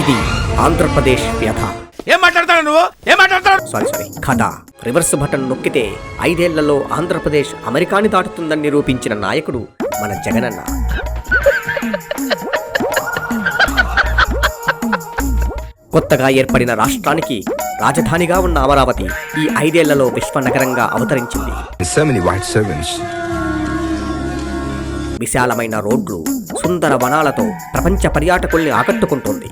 ఇది ఆంధ్రప్రదేశ్ వ్యథ. ఏం మాట్లాడతాడు నువ్వు? ఏం మాట్లాడతాడు? సారీ కథ. రివర్స్ బటన్ నొక్కితే 5 ఏళ్లలో ఆంధ్రప్రదేశ్ అమెరికాని దాటుతుందని నిరూపించిన నాయకుడు మన జగనన్న. కొత్తగా ఏర్పడిన రాష్ట్రానికి రాజధానిగా ఉన్న అమరావతి ఈ 5 ఏళ్లలో విశ్వనగరంగా అవతరించింది. విశాలమైన రోడ్లు, సుందర వనాలతో ప్రపంచ పర్యాటకుల్ని ఆకట్టుకుంటోంది.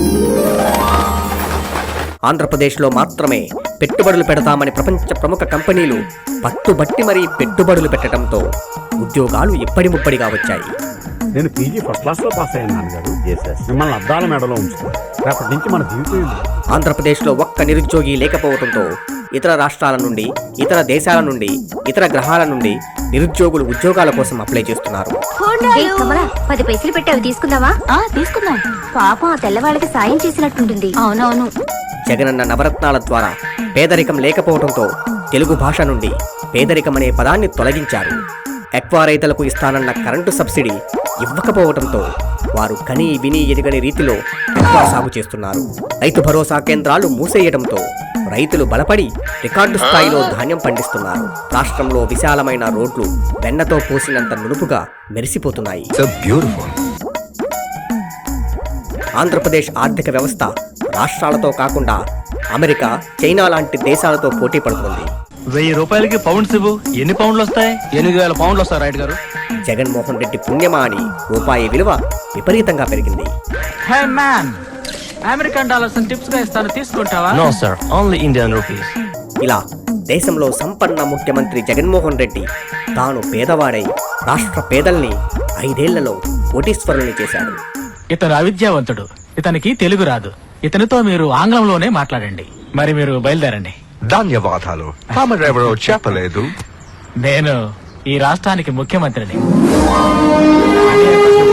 ఆంధ్రప్రదేశ్లో మాత్రమే పెట్టుబడులు పెడతామని ప్రపంచ ప్రముఖ కంపెనీలు పట్టుబట్టి మరీ పెట్టుబడులు పెట్టడంతో ఉద్యోగాలు ఇప్పటి ముప్పడిగా వచ్చాయి. నేను పీజీ ఫస్ట్ క్లాస్ లో పాస్ అయ్యాను నాన్నగారు. మిమ్మల్ని అద్దాల మేడలో ఉంచుతాను. రేపటి నుంచి మన జీవితం. ఆంధ్రప్రదేశ్లో ఒక్క నిరుద్యోగి లేకపోవడంతో ఇతర రాష్ట్రాల నుండి, ఇతర దేశాల నుండి, ఇతర గ్రహాల నుండి నిరుద్యోగులు ఉద్యోగాల కోసం అప్లై చేస్తున్నారు. 10 పైసలు పెట్టి అవి తీసుకుందామా? తీసుకుందాం. పాపం ఆ తెల్లవాళ్ళకి సాయం చేసినట్టుంటుంది. అవునవును. జగనన్న నవరత్నాల ద్వారా పేదరికం లేకపోవడంతో తెలుగు భాష నుండి పేదరికం అనే పదాన్ని తొలగించారు. ఎక్వా రైతులకు ఇస్తానన్న కరెంటు సబ్సిడీ ఇవ్వకపోవడంతో వారు కనీ విని ఎరుగని రీతిలో ఎక్వా సాగు చేస్తున్నారు. రైతు భరోసా కేంద్రాలు మూసేయడంతో రైతులు బలపడి రికార్డు స్థాయిలో ధాన్యం పండిస్తున్నారు. రాష్ట్రంలో విశాలమైన రోడ్లు వెన్నతో పూసినంత నునుపుగా మెరిసిపోతున్నాయి. ఆంధ్రప్రదేశ్ ఆర్థిక వ్యవస్థ రాష్ట్రాలతో కాకుండా అమెరికా, చైనా లాంటి దేశాలతో పోటీ పడుతుంది. 1000 రూపాయలకి పౌండ్స్ ఇవ్వు. ఎన్ని పౌండ్లు వస్తాయి? 8000 పౌండ్లు వస్తాయి రైట్ గారు. జగన్మోహన్ రెడ్డి పుణ్యమా అని రూపాయి విలువ విపరీతంగా పెరిగింది. Hey man, American dollars tips గా ఇస్తాను, తీసుకుంటావా? No sir, only Indian rupees. ఇలా దేశంలో సంపన్న ముఖ్యమంత్రి జగన్మోహన్ రెడ్డి తాను పేదవాడై రాష్ట్ర పేదల్ని 5 ఏళ్లలో కోటీశ్వరుల్ని చేశాడు. ఇతను అవిద్యావంతుడు, ఇతనికి తెలుగు రాదు. ఇతనితో మీరు ఆంగ్లంలోనే మాట్లాడండి. మరి మీరు బయలుదేరండి. ధన్యవాదాలు. తమరెవరో చెప్పలేదు. నేను ఈ రాష్ట్రానికి ముఖ్యమంత్రిని.